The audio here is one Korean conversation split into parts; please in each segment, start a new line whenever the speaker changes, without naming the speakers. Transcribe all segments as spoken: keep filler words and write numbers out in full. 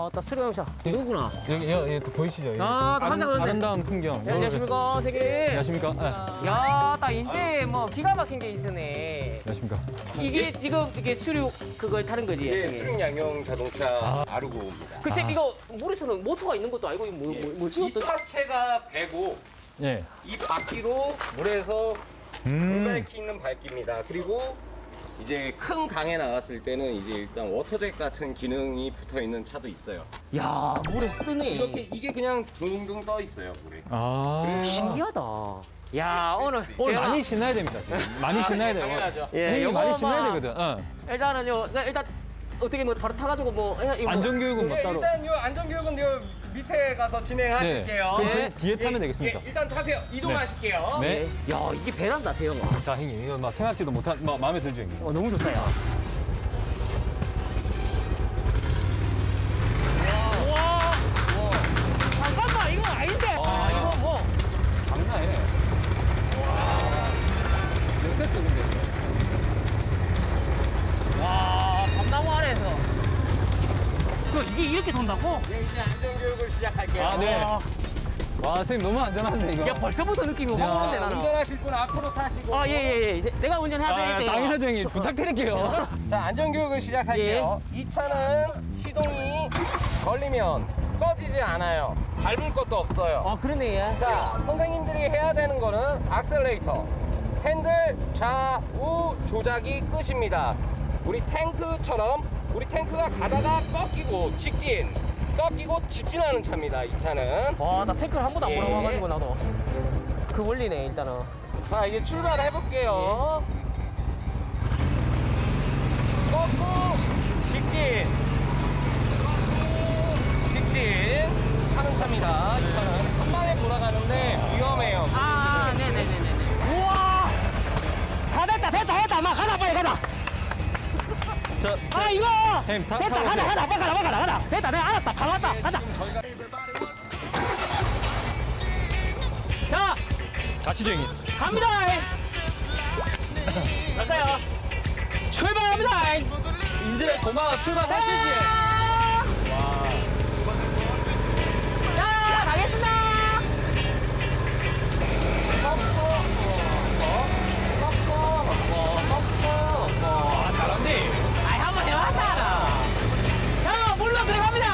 아, 딱 수령차. 이거구나.
여기, 여기, 여기 또 보이시죠? 여기
아, 또 한상 왔네.
아름다운 풍경.
네, 안녕하십니까, 세계.
안녕하십니까? 네.
야, 딱 이제 뭐 기가 막힌 게 있으네.
안녕하십니까?
이게 지금 이게 수륙 그걸 타는 거지,
이게
선생님?
수륙 양용 자동차 아르고입니다.
글쎄,
아.
이거 물에서는 모터가 있는 것도 알고, 이거 뭐, 뭐, 뭐지?
이
어떤?
차체가 배고
예.
이 바퀴로 물에서
음.
물갈퀴 있는 밝기입니다. 그리고 이제 큰 강에 나갔을 때는 이제 일단 워터잭 같은 기능이 붙어 있는 차도 있어요.
야, 물에서 뜨네.
이렇게 이게 그냥 둥둥 떠 있어요 물에.
아.
신기하다. 야, 오늘.
오늘
내가-
많이 신나야 됩니다, 지금. 많이 신나야 돼요.
당연하죠.
예,
형님
요거
많이
막-
신나야 되거든. 어.
일단은요, 그러니까 일단 어떻게 뭐 바로 타가지고 뭐. 해- 이거 뭐-
안전교육은 뭐
네,
따로.
일단 요 안전교육은 요 밑에 가서 진행하실게요.
그럼
네.
저희 뒤에 타면
예,
되겠습니까?
예, 일단 타세요. 이동하실게요.
네.
야, 이게 배란다, 대형아.
자, 형님, 이거 막 생각지도 못한, 막 마음에 들죠, 형님?
어, 너무 좋다, 야. 와, 잠깐만, 이거 아닌데. 아, 이거 뭐.
장난 아니네. 몇 세트 근데?
와, 밤나무 아래에서. 그 이게 이렇게 돈다고?
네, 이제 안전교육을 시작할게요.
아, 네.
와,
와, 선생님 너무 안전한데, 이거.
야, 벌써부터 느낌이 확 오는데, 나는.
운전하실 분 앞으로 타시고.
아, 예, 예, 예. 이제 내가 운전해야
아,
되겠죠? 이거?
당연하죠, 형님. 부탁드릴게요.
자, 안전교육을 시작할게요.
예.
이 차는 시동이 걸리면 꺼지지 않아요. 밟을 것도 없어요.
아, 그러네, 예.
자, 선생님들이 해야 되는 거는 악셀레이터, 핸들 좌우 조작이 끝입니다. 우리 탱크처럼 우리 탱크가 가다가 꺾이고 직진, 꺾이고 직진하는 차입니다. 이 차는.
와, 나 탱크를 한 번도 안
예.
몰아봐가지고, 나도. 그 원리네, 일단은.
자, 이제 출발해 볼게요. 꺾고 직진, 꺾고 직진 하는 차입니다. 이 차는 한 방에 돌아가는데 위험해요.
아, 네네네네. 우와! 다 됐다, 됐다, 됐다. 막 가자, 빨리 가자.
자,
아, 이거!
형님, 타-
됐다,
타보세요.
가자, 가자, 빨리 가자, 빨리 가자, 가자. 됐다, 내가 알았다, 다 왔다, 가자.
지금 저희가
자,
가시죠, 형님.
갑니다. 갈까요? 출발합니다.
이제 고마 출발하시지.
자, 가겠습니다.
아, 잘한데.
아이, 한번 해봤잖아. 자, 물로 들어갑니다.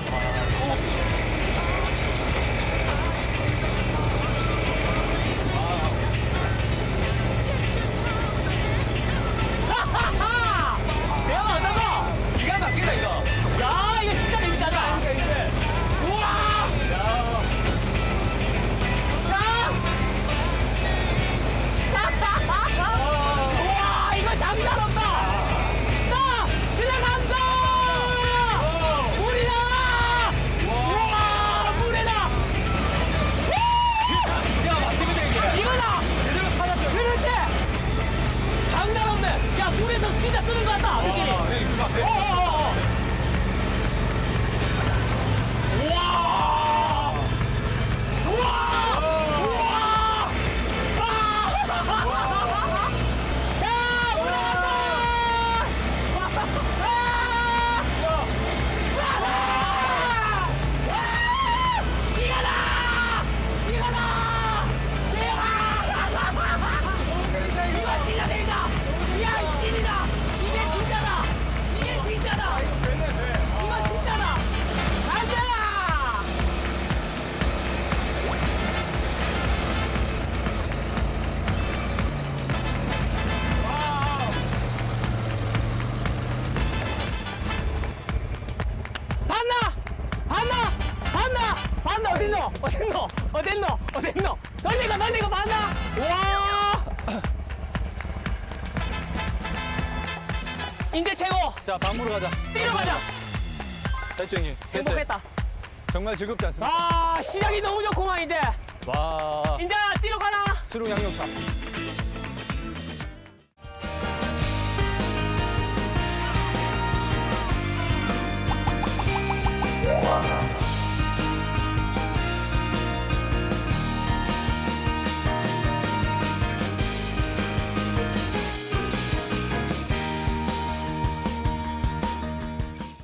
하하하! 대박, 어떠노?
기가 막히다, 이거.
야, 이거 진짜 재밌잖아. 우와! 자! 우와, 이거 장난 없다. 자, 들어간다. 물이다. 우와, 물에다.
야, 맞습니다, 이게.
이거다.
제대로 찾았죠.
그렇지. 장난 없네. 야, 물에서 진짜 뜨는 것 같다. 느낌이.
아, 형님, 그 앞에.
어어어. 우와! 우와! 우와! 아! 자, 올라간다! 아! 아! 아! 이거다! 이거다! 대박! 이거 진짜 재밌다! 야, 이 찐이다! 이게 진짜다! 이게 진짜다! 이거 진짜다! 가자! 봤나? 봤나? 봤나? 봤나? 어딨노? 어딨노? 어딨노? 어딨노? 널리고 널리고 봤나? 와! 인제 최고!
자, 밥 먹으러 가자.
뛰러 가자!
됐죠, 형님.
행복했다.
정말 즐겁지 않습니까?
아, 시작이 너무 좋구만, 이제.
와,
이제 뛰러 가나?
수륙 양념차.